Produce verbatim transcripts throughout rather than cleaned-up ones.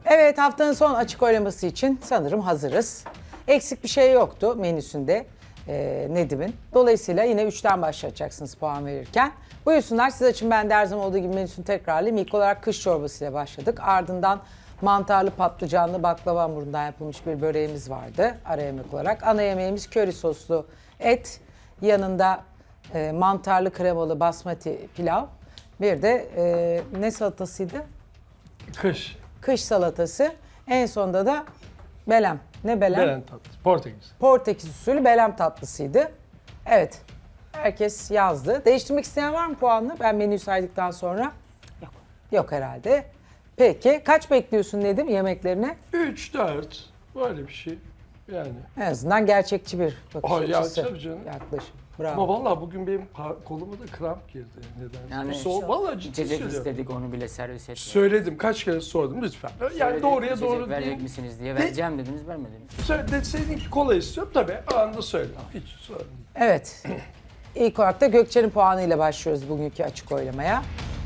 Evet, haftanın son açık oylaması için sanırım hazırız. Eksik bir şey yoktu menüsünde e, Nedim'in. Dolayısıyla yine üçten başlayacaksınız puan verirken. Buyursunlar, siz açın, ben de her zaman olduğu gibi menüsünü tekrarlayayım. İlk olarak kış çorbasıyla başladık. Ardından mantarlı patlıcanlı baklava hamurundan yapılmış bir böreğimiz vardı ara yemek olarak. Ana yemeğimiz köri soslu et, yanında e, mantarlı kremalı basmati pilav. Bir de e, ne salatasıydı? Kış. Kış salatası. En sonda da belem. Ne belem? Beren tatlısı. Portekiz. Portekiz usulü belem tatlısıydı. Evet. Herkes yazdı. Değiştirmek isteyen var mı puanını? Ben menüyü saydıktan sonra. Yok. Yok herhalde. Peki. Kaç bekliyorsun Nedim yemeklerine? üç, dört. Böyle bir şey. Yani. En azından gerçekçi bir bakış Ay ya, açısı. tabii canım. Yaklaşım. Ama Bravo. vallahi bugün benim pa- koluma da kramp girdi. Neden? Yani Soğuk. Vallahi ciddi içecek söylüyorum. istedik, onu bile servis etmiyor. Söyledim. Kaç kere sordum lütfen. Yani Söyledik, doğruya içecek doğru verecek değil. misiniz diye. Vereceğim dediniz, vermediniz. Söyle, deseydin ki kola istiyorum tabii. Anında söyle. Hiç sorun değil. Evet. İlk olarak da Gökçe'nin puanıyla başlıyoruz bugünkü açık oylamaya.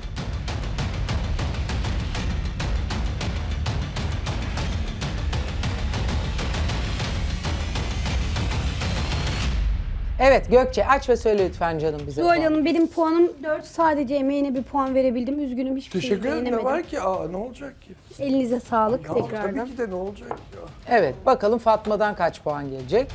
Evet Gökçe, aç ve söyle lütfen canım bize. Zuhal puanı. Hanım, benim puanım dört. Sadece emeğine bir puan verebildim. Üzgünüm, hiçbir şey Teşekkür ederim. Ne beğenemedim. var ki? Aa, ne olacak ki? Elinize sağlık Ya, tekrardan. tabii ki de ne olacak ya? Evet, bakalım Fatma'dan kaç puan gelecek?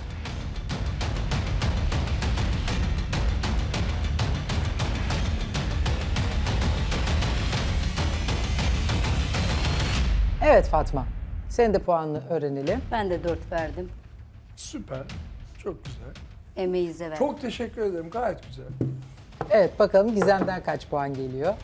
Evet Fatma, senin de puanını öğrenelim. Ben de dört verdim. Süper. Çok güzel. Emeğinize verdim. Çok teşekkür ederim. Gayet güzel. Evet, bakalım Gizem'den kaç puan geliyor?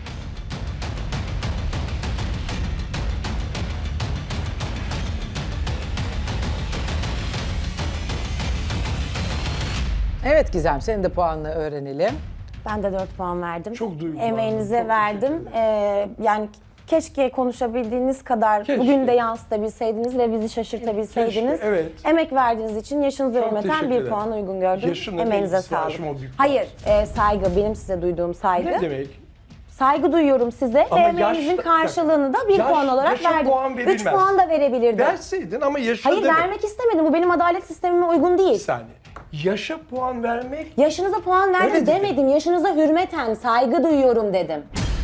Evet Gizem, senin de puanını öğrenelim. Ben de dört puan verdim. Çok duygulandım. Emeğinize Çok verdim. teşekkür Ee, yani keşke konuşabildiğiniz kadar Keşke. bugün de yansıtabilseydiniz ve bizi şaşırtabilseydiniz. Keşke, evet. Emek verdiğiniz için yaşınıza Çok hürmeten teşekkür bir ederim. puan uygun gördüm. Yaşımla Emeğinize ilgisi var, sağlık. yaşıma o bir puan. Hayır, e, saygı, benim size duyduğum saygı. Ne demek? Saygı duyuyorum size Ama ve emeğinizin yaşta- karşılığını da bir Yaş- puan olarak yaşa verdim. puan Üç verilmez. puan da verebilirdim. Verseydin ama yaşa Hayır, demek. vermek istemedim. Bu benim adalet sistemime uygun Bir değil. saniye. Yaşa puan vermek Yaşınıza puan verdim Öyle dedim. demedim. Yaşınıza hürmeten saygı duyuyorum dedim.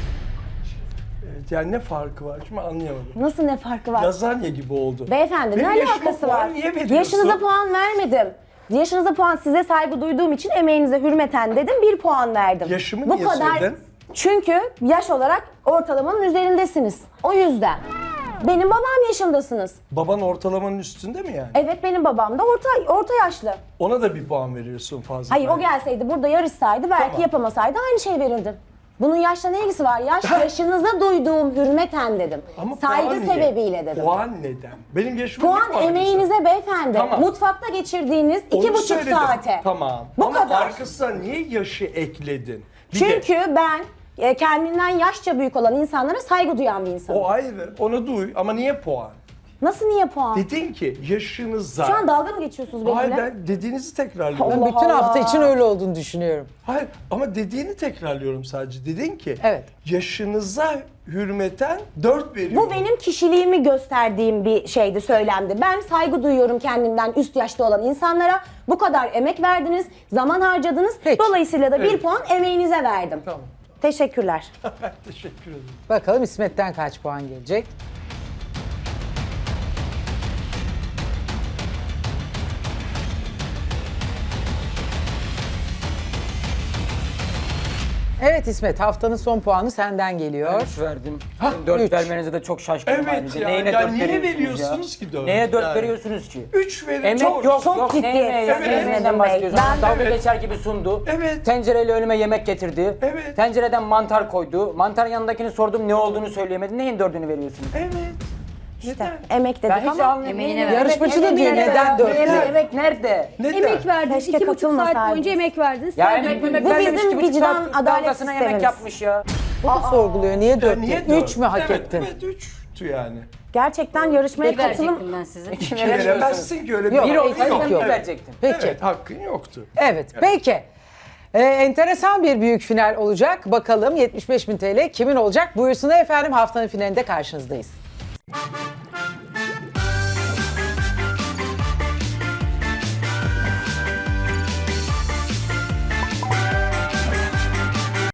evet, yani ne farkı var şimdi anlayamadım. Nasıl, ne farkı var? Lazanya gibi oldu. Beyefendi, Benim ne yaşıma alakası puan var? niye veriyorsun? Yaşınıza puan vermedim. Yaşınıza puan, size saygı duyduğum için emeğinize hürmeten dedim, bir puan verdim. Yaşımı niye söyledin? Çünkü yaş olarak ortalamanın üzerindesiniz. O yüzden. Benim babam yaşındasınız. Baban ortalamanın üstünde mi yani? Evet, benim babam da orta orta yaşlı. Ona da bir puan veriyorsun fazla. Hayır, o gelseydi burada yarışsaydı belki Tamam. yapamasaydı aynı şey verirdim. Bunun yaşla ne ilgisi var? Yaş, yaşınıza duyduğum hürmeten dedim. Ama Saygı puan niye? sebebiyle dedim. Puan neden? Benim yaşıma niye Puan veriyorsun? emeğinize beyefendi. Tamam. Mutfakta geçirdiğiniz iki Onu buçuk söyledim. saate. Tamam. Bu Ama kadar. arkasına niye yaşı ekledin? Bir de Çünkü ben e, kendinden yaşça büyük olan insanlara saygı duyan bir insanım. o ayrı. Onu duy ama niye puan? Nasıl, niye puan? Dedin ki yaşınıza. Şu an dalga mı geçiyorsunuz Hayır, benimle? ben dediğinizi tekrarlıyorum. Ben Allah bütün hafta Allah. için öyle olduğunu düşünüyorum. Hayır ama dediğini tekrarlıyorum sadece. Dedin ki Evet. yaşınıza hürmeten dört veriyorum. Bu benim kişiliğimi gösterdiğim bir şeydi, söylemdi. Ben saygı duyuyorum kendimden üst yaşta olan insanlara. Bu kadar emek verdiniz, zaman harcadınız. Peki. Dolayısıyla da bir Evet. puan emeğinize verdim. Tamam. Teşekkürler. Teşekkür ederim. Bakalım İsmet'ten kaç puan gelecek? Evet İsmet, haftanın son puanı senden geliyor. Ben üç verdim. Ha, dört üç. vermenize de çok şaşkınım Evet ayrıca. ya, Neyine ya dört niye veriyorsunuz veriyorsunuz ya? ki dört? Neye dört Yani. veriyorsunuz ki? Üç verin. Emek çok, yok, çok yok. ciddiyetsiz Neyine ya? Nedim Neyden Bey. bahsediyorsun? Ben- Dalga Evet. geçer gibi sundu. Evet. Tencereyle önüme yemek getirdi. Evet. Tencereden mantar koydu. Mantarın yanındakini sordum, ne olduğunu söyleyemedi. Neyin dördünü veriyorsunuz? Evet. Neden? Emek dedik Ben hiç ama anlamıyorum. Emeğine Evet, ver. Yarışmacı da evet, diyor, evet, neden evet. dört Evet, diyor? Emek nerede? Neden? Emek verdiniz. Keşke iki buçuk saat katılmasaydınız. boyunca emek verdiniz. Ya Saygı emek duydum. memek Bu vermemiş, bizim iki buçuk vicdan, saat adalet dalgasına yemek sistemimiz. yapmış ya. Bu da sorguluyor. Niye dört? Niye diyor? dört? Üç mü hak evet, ettin? Evet, üçtü yani. Gerçekten yarışmaya Bir katılım... verecektim ben size. İki İki veremiyorsunuz. veremezsin ki öyle Yok, bir Bir Yok, olsaydı yok, ben yok. bir verecektim. Peki. Evet, hakkın yoktu. Evet, peki. Ee, enteresan bir büyük final olacak. Bakalım yetmiş beş bin T L kimin olacak? Buyursunlar efendim, haftanın finalinde karşınızdayız.